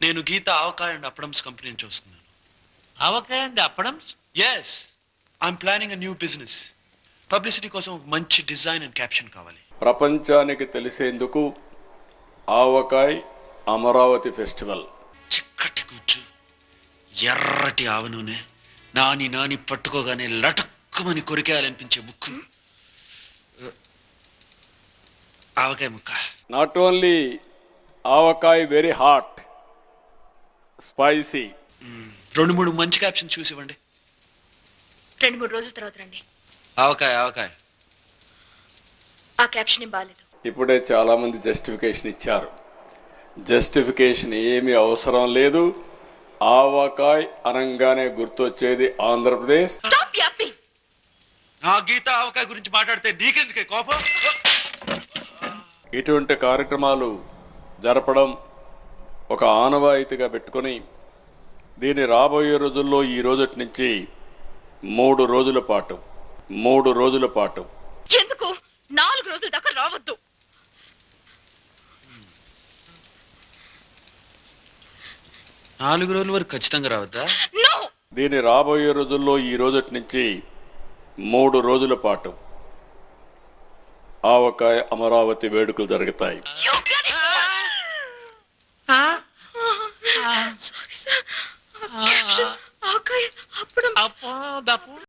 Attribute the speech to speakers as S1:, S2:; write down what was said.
S1: నేను Geetha Avakaya and Appadams company నుంచి వస్తున్నాను.
S2: Avakaya and Appadams?
S1: Yes, I'm planning a new business. Publicity కోసం ఒక మంచి డిజైన్ అండ్ క్యాప్షన్ కావాలి.
S3: ప్రపంచానికి తెలిసేందుకు ఆవకాయ్ అమరావతి ఫెస్టివల్.
S1: చిక్కటి కూర్చు, ఎర్రటి ఆవ నూనె, నాని నాని పట్టుకోగానే లటక్కుమని కొరికేయాలనిపించే ముక్కు, ఆవకాయ ముక్క.
S3: Not only avakai very hot, spicy.
S1: 2-3 మంచి క్యాప్షన్ చూసి ఇవ్వండి.
S4: 2-3 రోజుల తర్వాత రండి.
S1: ఆవకాయ ఆవకాయ.
S4: ఆ క్యాప్షన్ ఏం బాలేదు.
S3: ఇప్పుడే చాలా మంది జస్టిఫికేషన్ ఇచ్చారు. జస్టిఫికేషన్ ఏమీ అవసరం లేదు. ఆవకాయ్ అనంగానే గుర్తొచ్చేది ఆంధ్రప్రదేశ్.
S4: Stop yapping.
S1: నా గీత ఆవకాయ గురించి మాట్లాడితే నీకెందుకే కోపం?
S3: ఇటువంటి కార్యక్రమాలు జరపడం ఒక ఆనవాయితీగా పెట్టుకొని దీన్ని రాబోయే రోజుల్లో ఈ రోజటి నుంచి 3 రోజుల పాటు
S4: ఎందుకు 4 రోజుల దాకా రావద్దు.
S1: నాలుగు రోజుల వరకు ఖచ్చితంగా రావద్దా?
S4: నో.
S3: దీన్ని రాబోయే రోజుల్లో ఈ రోజటి నుంచి 3 రోజుల పాటు ఆవకాయ అమరావతి వేడుకలు జరుగుతాయి.
S4: Sorry sir. ఆవకాయ అప్పడం.